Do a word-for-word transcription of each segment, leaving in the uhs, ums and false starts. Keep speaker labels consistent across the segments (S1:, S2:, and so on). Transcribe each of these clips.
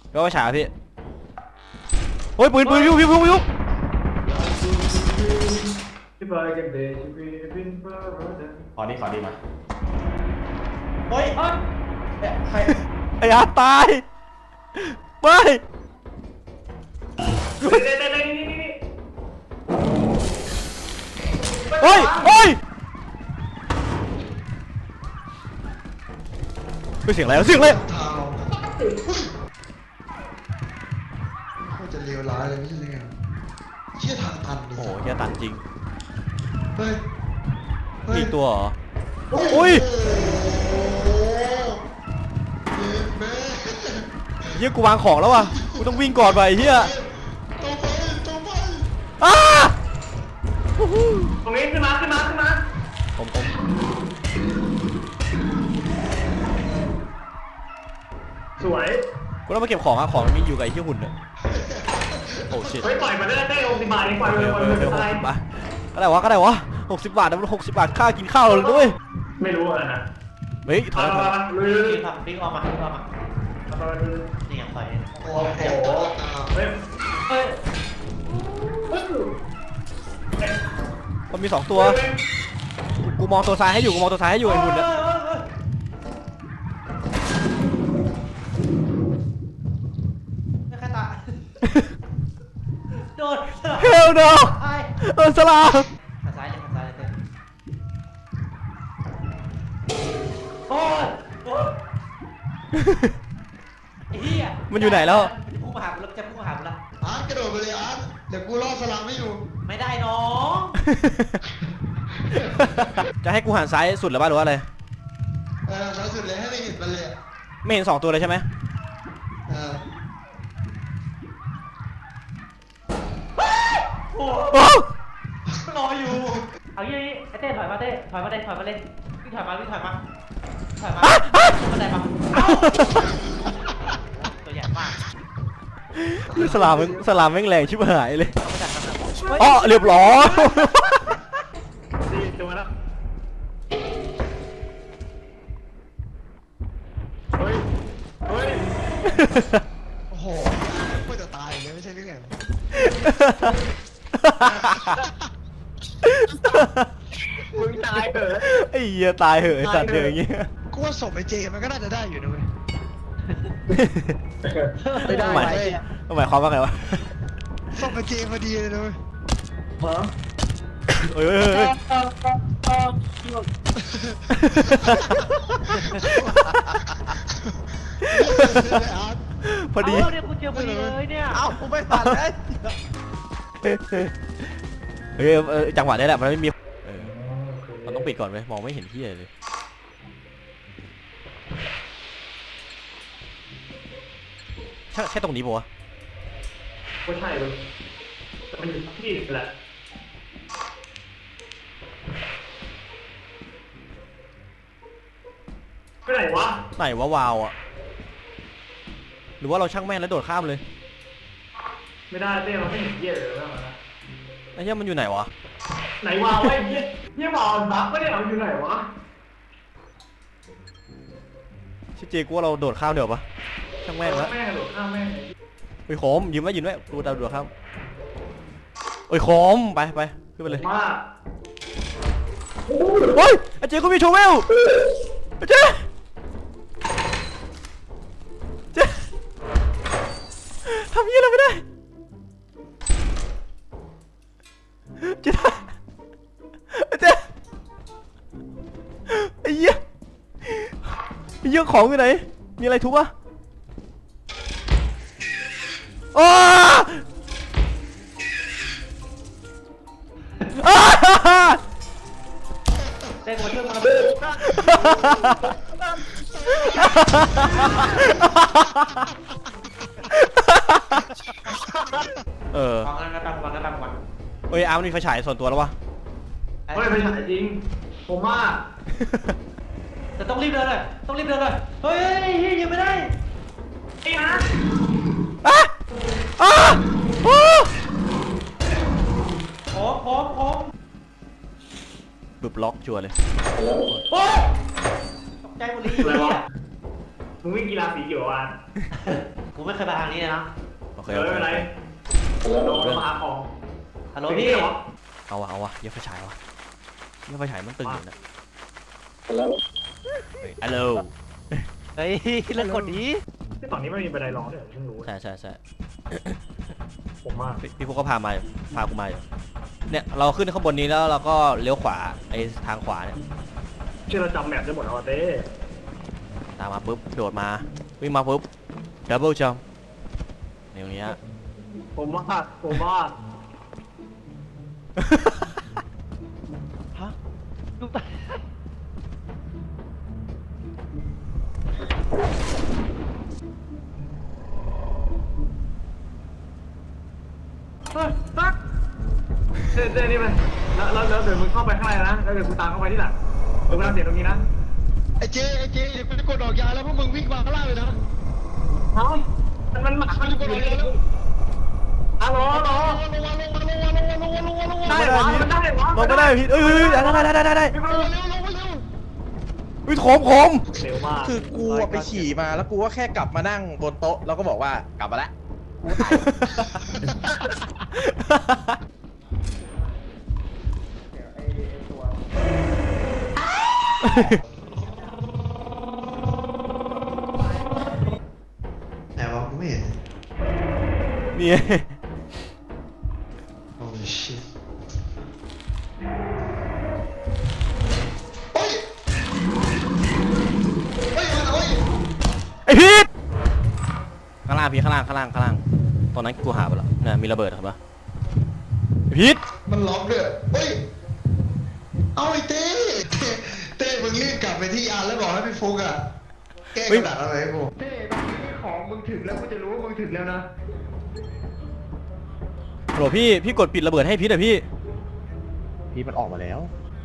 S1: ก็ว่าฉาพี่โอ้ยปืนปืนพิ้วพิ้วพิ้วพิ้ว
S2: ขอดีขอดีมาเฮ้ยเฮ้ยใคร
S1: ไอ้อาตายไปเฮ้ยเฮ้ยเสียงอะไรเสียงอะไร
S3: โคตรจะเลวร้ายเลยไม่ใช่เลยเชี่ยทางตันดิ
S1: โอ้โหเฮียตันจริง
S3: เฮ้ย
S1: มีตัวเหรออุ้ยเฮียกูวางของแล้วว่ะกูต้องวิ่งก่อนไปเฮีย
S3: ตัวไปตัวไป
S1: อ้า
S2: ตรงนี้ขึ้นมาขึ้นมาขึ้นมา
S1: ผมผม
S2: สวย
S1: กูต้องมาเก็บของอะของมันมีอยู่กับไอ้ที่หุ่นเนี่ยโอ้ชิต
S2: เฮ้ยปล่อยมาได้ได้หกสิบบาทเองปล่อย
S1: เอ
S2: เลย
S1: อ
S2: ปล่อย
S1: เอ
S2: เล
S1: อย เออหก
S2: อะไร
S1: สิบบาทก็ได้วะก็ได้วะหกสิบบาทนะมันหกสิบบาทค่ากินข้าวเลยด้วย
S2: ไม่รู้อ่ะนะ
S1: เฮ้ยถอ
S2: มาย
S1: ถอย
S2: มาลุยลุย
S4: ทำพลิกออกมาพลิกออกมานี่ยังไฟ
S3: โอ้โห
S2: เฮ้ยเฮ้ย
S1: มันมีสองตัวกูมองตัวซ้ายให้อยู่กูมองตัวซ้ายให้อยู่ไอ้หุ่นเนี่ย
S4: ไม่แค่ตาโดน
S1: เฮลโนเออสลา
S4: ขาซ้ายเลยขาซ้ายเลยโอ้ยไอ้เหี้ย
S1: มันอยู่ไหนแล้ว
S4: มันจะพุ่งมาหากูแล้วจะพุ่งมาหากูแล้ว
S3: อาร์ตกระโดดไปเลยอาร์ตเดี๋ยวกูล่อสลัมไม่อยู่
S4: ไม่ได้น้อง
S1: จะให้กูหันซ้ายสุดหรือเปล่าหรือว่าอะไร
S3: เออซ้ายสุดเลยให้ไม่เห็นมันเลย
S1: ไม่เห็นสองตัวเลยใช่ไหม
S3: เออ
S4: โอ้
S1: โอ้
S4: รออยู่เอาอย่างนี้ไอ้เต้ถอยมาเต้ถอยมาเต้ถอยมาเล่นวิ่งถอยมาวิ่งถอยมาถอยมาขึ้นบันไดมาเอ้าตัวใหญ่มาก
S1: สลามมึงสลามแม่งแรงชิบหายเลย
S4: เอาไปจัดกันนะ
S1: อ๋อเรียบร้อย
S2: ดีจังวะนะเฮ้ยเฮ้ย
S3: โอ้โหไม่จะตายเลยไม่ใช่เรื่องไง
S2: มึงตายเหรอ
S1: ไอ้เหี้ยตายเหอะไอ้สัตว์เดืออย่างเงี้ย
S3: กูว่าศพไอ้เจมันก็น่าจะได้อยู่นะเว้ย
S2: ไม่ได้
S1: หมายหมายความว่าไงวะ
S3: ศพไอ้เจพอดีเลยนะเว้ย
S2: ฮะ
S1: เฮ้ยเฮ้ยเฮ้ย
S3: อาร์ต
S1: พอดี
S4: เาเนี่ยกูเจอพอดีเลยเนี่ยเอ้ากูไม่ผ่านเลย
S1: เฮ้ยเออจังหวะนี้แหละมันไม่มีเออมันต้องปิดก่อนไหมมองไม่เห็นที่เลยใช่ใช่ตรงนี้ปะวะ
S2: ไม่ใช่เลยมันอยู่ที่แหละไปไหนวะ
S1: ไหนวะวาวอ่ะหรือว่าเราช่างแม่งแล้วโดดข้ามเลย
S2: ไม่ได้เต้เราไม่เห็นเหี้ยเลยนะ
S1: ไอ้เหี้ยมันอยู่ไหนวะ
S2: ไหนวะไอ้เหี้ยเหี้ยบอกบักไม่ได้เอาอยู่ไหนวะ
S1: ชิเจกูว่าเราโดดข้ามเดี๋ยวปะช่างแม่งแล้ว
S2: แม่งหลุดข้ามแม่ง
S1: โอ้ยโคมยืมไว้ยืมไว้ดูดาวดูข้ามโอ้ยโคมไปไปขึ้นไปเลย
S2: มาก
S1: เฮ้ยไอ้เจกูมีโชเวลไอ้เจเจทำยี่อะไรไม่ได้เจได้ไอ้เจไอ้เหี้ยไอ้เหี้ยของอยู่ไหนมีอะไรทุบปะอ้าอ้า
S4: เต้มาช่วยมา
S1: เออ
S4: ฟังกันกันฟังกันฟังกัน
S1: เอ้ยอาร์มมีไฟฉายส่วนตัวแล้ววะ
S2: เฮ้ยไม่ใช่จริงผมว่า
S4: แต่ต้องรีบเดินเลยต้องรีบเดินเลยเฮ้ยเฮ้ยยังไม่ได้
S2: ไอ้ฮะ
S1: อ่ะอ่ะอ่ะ
S4: พร้อมพร้อมพร้อม
S1: บึบล็อกชัวร์เลย
S4: โอ้ยตกใจหมดเลย
S2: อะไรวะ
S4: เนี่ย
S2: มึงวิ่งกีฬาสีเขียวอ่ะ
S4: กูไม่เคยไปทางนี้เลยนะ
S1: โอเคโอเคโอเค
S2: เรามาหาของ
S4: ฮัลโหลพี่
S1: เอาวะเอาวะเยี่ยไฟฉายวะเยี่ยไฟฉายมันตึงอยู่นะเฮ้ยฮัลโหล
S4: เฮ้ยเลิกกดดี
S5: ที่ฝั่งนี้ไม่มีบันไดรองด้วยเพิ่งรู้
S1: ใช่ใช่ใช่
S5: ผมมา
S1: พี่พี่พวกก็พามาอยู่พากูมาอยู่เนี่ยเราขึ้นข้างบนนี้แล้วเราก็เลี้ยวขวาไอ้ทางขวาเนี่ย
S5: ชื่อเราจำแมปได้หมดแล้วเต้
S1: ตามมาปุ๊บโดดมาวิ่งมาปุ๊บดับเบิลจัมป์อย่างเงี้ย
S5: ผมว่าผมว่า
S4: ฮะลูกตา
S5: เฮ้ยตักเต้เต้นี่มันแล้วแล้วแล้วเดี๋ยวมึงเข้าไปข้างในนะแล้วเดี๋ยวกูตามเข้าไปที่หลังเดี๋ยวกูทำเสียงตรงนี้นะ
S3: ไอ้เจไอ้เจเดี๋ยวกูจะกดดอกยาแล้วพวกมึงวิ่งมาข้างล่างเลยนะ
S5: เฮ้ยมันมันหมา
S3: กูจะกดดอกยาแล้ว
S5: ฮัลโหลฮัลโหล
S3: ลงมาลงมาลงมาลงมาลงมาลงมาลงมาลงมา
S5: ได้วะมันได้วะ
S1: ลงไม่ได้พี่เอ้ยเอ้ยเอ้ยได้ได้ได้ได้ได้
S5: ไม่
S3: ล
S5: รู้
S3: งมาเร็วลงมาเร็ว
S1: อุ้ยโถมโถม
S5: เร็วมาก
S2: คือกูอะไปฉี่มาแล้วกูก็แค่กลับมานั่งบนโต๊ะแล้วก็บอกว่ากลับมาแล้วกูตาย
S3: ไหนวะกูไม่เห็น
S1: นี่
S3: โอ้ยชิตโอ้ยเฮ้ยมาโอ้ย
S1: ไอพีทข้างล่างพี่ข้างล่างข้างล่างข้างล่างตอนนั้นกูหาไปแล้วเนี่ยมีระเบิดครับปะไอพีท
S3: มันล็อกด้วยเฮ้ยเอาไอ้เต้เต้เต้มึงรีบกลับไปที่ยานแล้วบอกให้พี่ฟุกอะแก้กระดาษอะไรให้กูเต้ตอนนี้ของมึงถึงแล้วกูจะรู้ว่ามึงถึงแล้วนะ
S1: โหลพี่พี่กดปิดระเบิดให้พีทอะพี่
S2: พี่มันออกมาแล้ว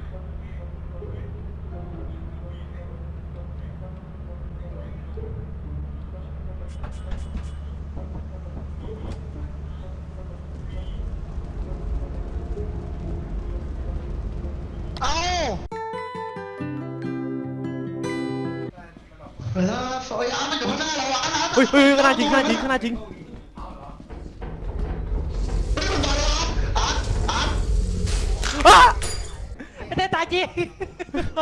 S3: เอาเวลาฝอยอามันอยู่ข้างหน้าเราอะนะ
S1: เฮ้ยเฮ้ยข้างหน้าจริงข้างหน้าจริงข้างหน้าจริง
S3: เฮ้ยมันมาแล้วอาร์ตอาร์ต
S1: อ้า
S4: ไอ้เต้ตายจริง
S3: มา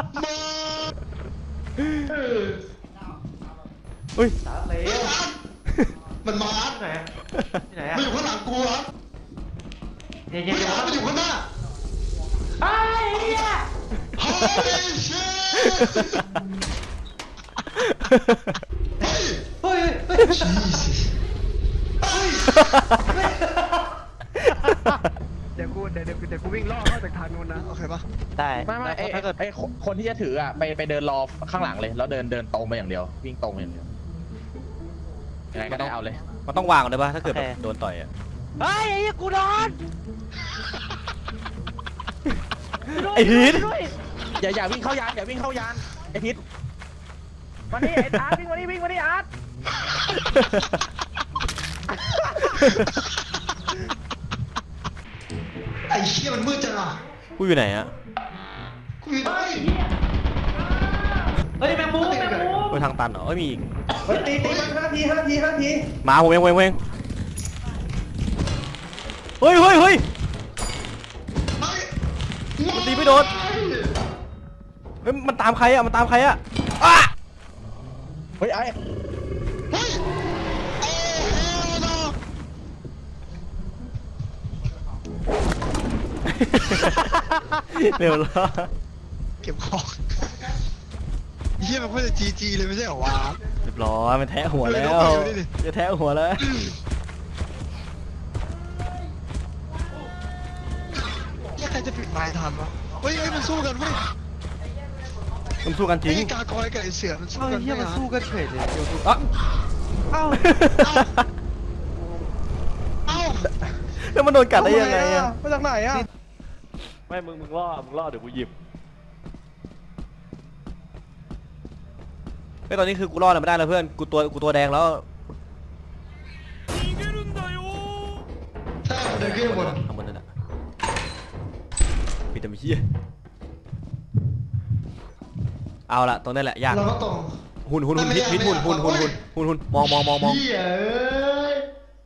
S1: เฮ้ย
S4: สามเลย
S3: เฮ้ยอาร์ตมันมาอาร์ต
S4: ที่ไหนอะที่ไหนอะ
S3: มันอยู่ข้างหลังกูอาร์ต
S4: เย็น
S3: เฮ้
S4: เย็น
S3: ย
S4: เย็น
S3: อาร์ตมันอยู่ข้างหน้า
S4: ไอ้เหี้ย
S3: Holy shit เฮ้ย
S4: เฮ้ยเฮ้ย
S3: Jesus เฮ้ย
S6: เดี๋ยวกูเดี๋ยวเดี๋ยวเดี๋ยวกูวิ่งล่อเข้าจากทางนู้นนะโอเคปะ
S4: ได้
S2: ไม่ไม่ไอ้
S4: ถ้าเกิด
S2: ไอ้คนที่จะถืออ่ะไปไปเดินรอข้างหลังเลยแล้วเดินเดินตรงไปอย่างเดียววิ่งตรงไปอย่างเดียวยังไงก็ได้เอาเลย
S1: มันต้องวางก่อนได้ปะถ้าเกิดแบบโดนต่อยอะ
S4: เฮ้ยไอ้เหี้ยกูโดน
S1: ไอ้พีท
S4: ด้วย
S2: อย่าอย่าวิ่งเข้ายานอย่าวิ่งเข้ายานไอพิษ
S6: มานี่ไอ้อาร์ตวิ่งมานี่วิ่งมานี่อาร์ต
S3: ไอ้เชี่ยมันมืดจังอ่ะ
S1: กูอยู่ไหนอะ
S3: กูอยู่ไหน
S4: เฮ้ยแมงมุมแมงมุม
S1: ไปทางตันเหรอเอ้ยมีอีก
S2: เฮ้ยตีตีมันห้าทีห้าทีห้าที
S1: มาผมเองผมเองผมเองเฮ้ยเฮ้ยเฮ้ย
S3: ไม่
S1: มันตีไม่โดน เฮ้ยมันตามใครอะมันตามใครอะอ้า
S2: เฮ้ยไอ้
S3: เฮ้ยโอ้เฮลโน
S1: เร็วแล้ว
S3: เก็บของเฮียมันเพิ่งจะจีจีเลยไม่ใช่เหรอวะ
S1: เรียบร้อยมันแทะหัวแล้ว
S3: ดูดิดูดิ
S1: จะแทะหัวแล้ว
S3: เฮียใครจะปิดไม้ทันวะเฮ้ยเฮ้ยมันสู้กันเว้ย
S1: มันสู้กันจริง
S3: ไอ้กากอยกับไอ้เสือมันสู้กัน
S6: เฮียมันสู้กันเฉยเลย
S1: อ่ะ
S6: เอ้า
S3: เอ้า
S1: แล้วมันโดนกัดได้ยังไงอะ
S2: มาจากไหนอ่ะ
S7: ไม่ มึง มึงล่อ มึงล่อ เดี๋ยวกูหยิบ
S1: ไอ้ยตอนนี้คือกูรอดอะไรไม่ได้แล้วเพื่อน กูตัวกูตัวแดงแล้ว
S3: ใช่เดินขึ้นข้างบน
S1: ข้างบนนั่นแหละปิดแต่ไม่เชี่ยเอาละตรงนี้แหละยาก
S3: เราก็ตรง
S1: โอ้โหหุ่นหุ่นหุ่นพิษพิษหุ่นหุ่นหุ่นหุ่นหุ่นหุ่นมองมองมองมอง
S3: เหี้ยเอ้ย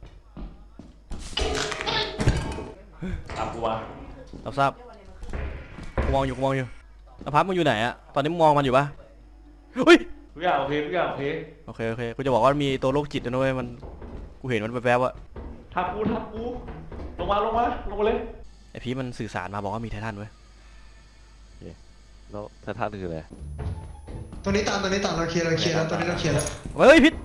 S7: ตามกูมา
S1: รับทราบกูมองอยู่กูมองอยู่อภัสมึงอยู่ไหนอะตอนนี้มึงมองมันอยู่ปะเฮ้ย
S7: ทุกอย่างโอเคทุกอย่างโอเค
S1: โอเคโอเคกูจะบอกว่ามีตัวโรคจิตนะเว้ยมันกูเห็นมันแวบๆอะ
S7: ทับกูทับกูลงมาลงมาลงมาเลย
S1: ไอพีมันสื่อสารมาบอกว่ามีไททันเว้ย
S7: แล้วไททันคืออะไร
S3: ตัวนี้ตามตัวนี้ตามเราเคลียร์เราเคลียร์แล้วตัวนี้เราเคลียร์แล้ว
S1: เฮ้ยพิษ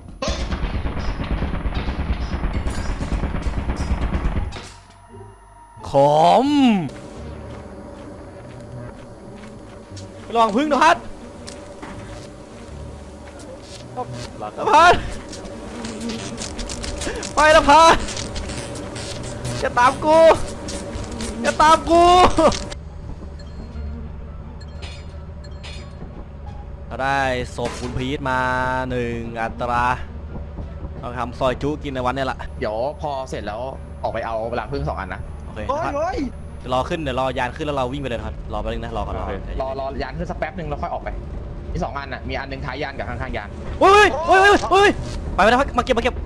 S1: ขมระวังพึ่งนะพัด
S7: หลัง
S1: นะพัดไปนะพัดอย่าตามกูอย่าตามกูเราได้ศพคุณพีทมาหนึ่งอัตราเราทำซอยจุกินในวันนี้แหละ
S2: เดี๋ยวพอเสร็จแล้วออกไปเอารังผึ้งสองอันนะ
S1: โอเค
S6: โอ้ย
S1: นะครับ
S6: โอ้ย
S1: เดี๋ยวรอขึ้นเดี๋ยวรอยานขึ้นแล้วเราวิ่งไปเลยนะครับรอไปบนึงนะรอก่อนรอก่อน
S2: รอรอยานขึ้นสักแป๊บหนึ่งแล้วค่อยออกไปมีสองอันอ่ะมีอันหนึ่งท้ายยานกับข้างๆยาน
S1: เฮ้ยเฮ้ยเฮ้ยเฮ้ยไปไปนะมาเก็บมาเก็บ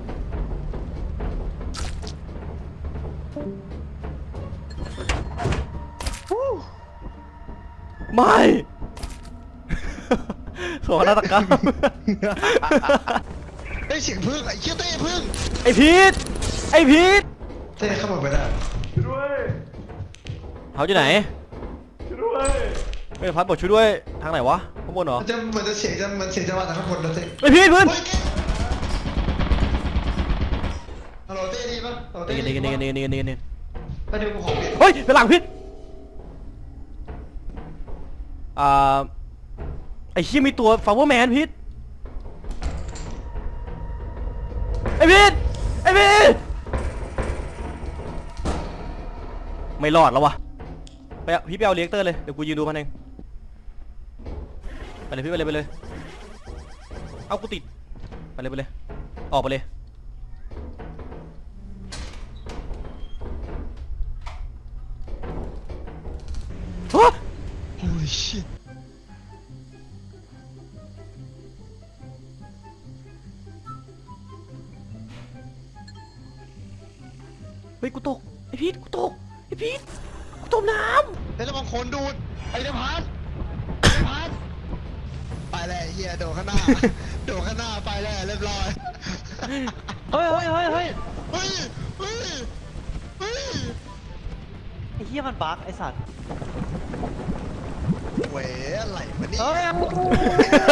S1: ไม่โศกนาฏกรรม
S3: เฮ้ยเสียงพึ่งไอ้เชี่ยเต้พึ่ง
S1: ไอพีทไอพีท
S3: เต้เข้ามาไปได้
S7: ช่วยด้วย
S1: เขาอยู่ไหน
S7: ช่วยด้วย
S1: ไม่พัดบอกช่วยด้วยทางไหนวะข้างบนเหรอ
S3: มันจะเหมือนจะเสียงจะมันเสียงจะมาจากข้างบนนะเต้
S1: ไอพีทเพื่อน
S3: เฮ้ยฮัลโหลเต้ดีปะฮัลโหลเต้
S1: นี่
S3: ดี
S1: นี่
S3: ปะ
S1: นี่นี่นี่นี่
S3: ไปดูกูขอเปลี่ยน
S1: เฮ้ยเป็นหลังพิษอ่าไอเชี่ยมีตัวฟาวเวอร์แมนพิษไอพิษไอพิษไม่รอดแล้ววะไปเอาพี่ไปเอาเลี้ยงเตอร์เลยเดี๋ยวกูยืนดูมันเองไปเลยพี่ไปเลยไปเลยเอากูติดไปเลยไปเลยออกไปเลยฮะ
S3: โอ้ยชิต
S1: เฮ้ยกูตกไอพีทกูตกไอพีทกูจมน้
S3: เฮ้ยระวังโคนดูดไอ้เดพัสไอ้เดพัสไปแล้วไอ้เฮียโดดข้างหน้าโดดข้างหน้าไปแล้วเรียบร้อย
S4: เฮ้ยเฮ้ยเฮ้ยเฮ้ย
S3: เฮ้ยเฮ้ยเฮ้ย
S4: ไอ้เหี้ยมันบั๊กไอ้สัตว์
S3: เว้ยอะไรวะเนี่ย
S4: เฮ้ย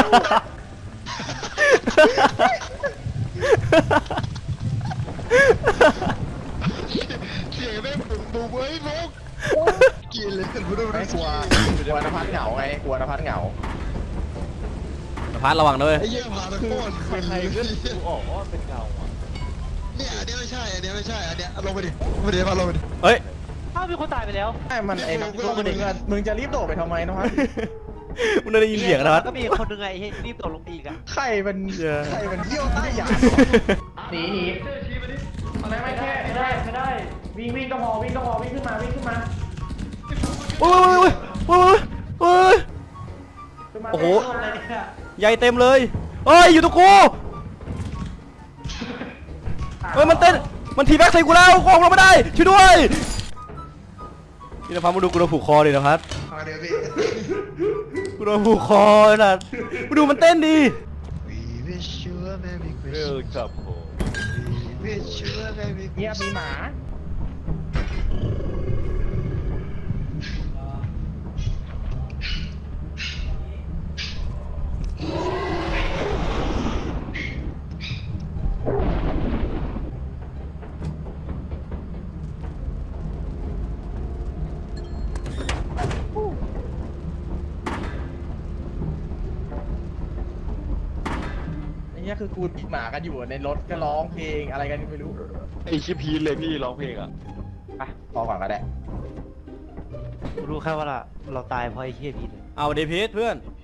S3: เสียงแม่งบุ๋มบุ๋มเว้ยพกกินเลยกูดู
S2: ไม่
S3: ไม่
S2: กลัวกลัวนภัสเหงาไงกลัวนภัสเหงา
S1: ำพัดระวังด้วย
S3: ไอ้เหี้ยพาตะโกน
S7: ใครก็ดูออกว่าเป็นเงาอ่ะ
S3: เนี่ยอันนี้ไม่ใช่อันนี้ไม่ใช่อันเนี้ยลงไปดิลงไปดิพาลงไปดิ
S1: เฮ้ย
S4: อ้าวมีคนตายไปแล้ว
S2: ไอ้มันไอ้น้องมึงอะมึงจะรีบโดดไปทำไมนะพัส
S1: มึงได้ยินเสียงนะพัด
S4: ก็มีคนหนึงไงไอ้เหี้ยรีบตกลงไปอีกอะ
S2: ใครมันใครมันเยี่ยวใต้ยานหนีหนีอะไรไม่แค่
S4: ไม่ได้ไม่ได้
S2: วิ่งวิ่งก็พอวิ่งก็พอวิ่งขึ้นมาวิ่งขึ้นมา
S1: โอ้ยโอ้ยโอ้ยโอ้ย
S2: ขึ้นมา
S1: โอ้โห
S4: อะไรเนี่ย
S1: ใหญ่เต็มเลยเฮ้ยอยู่ตรงกูเฮ้ยมันเต้นมันทีแบ็กใส่กูแล้วกูออกมาไม่ได้ช่วยด้วยพี่นภัสมาดูกูโดนผูกคอดินภัส
S3: พาเดี๋ยวพี่
S1: กูโดนผูกคอน่ะมาดูมันเต้นดิ
S3: We wish you a merry
S7: เออ
S3: Christmas
S7: ครับผม
S3: We wish you a merry
S2: เงียบมี
S3: Christmas
S2: หมา ไอ้เนี้ยคือกูหมากันอยู่ในรถก็ร้องเพลงอะไรกันไม่รู้
S7: ไอ้ชิพีนเลยพี่ร้องเพลงอ่ะ
S2: ไปพอก่อนก็ได้
S4: กูรู้แค่ว่าเราเราตายเพราะไอ้เหี้ยพีทเลย
S1: เอาเดพีทเพื่อน
S7: พี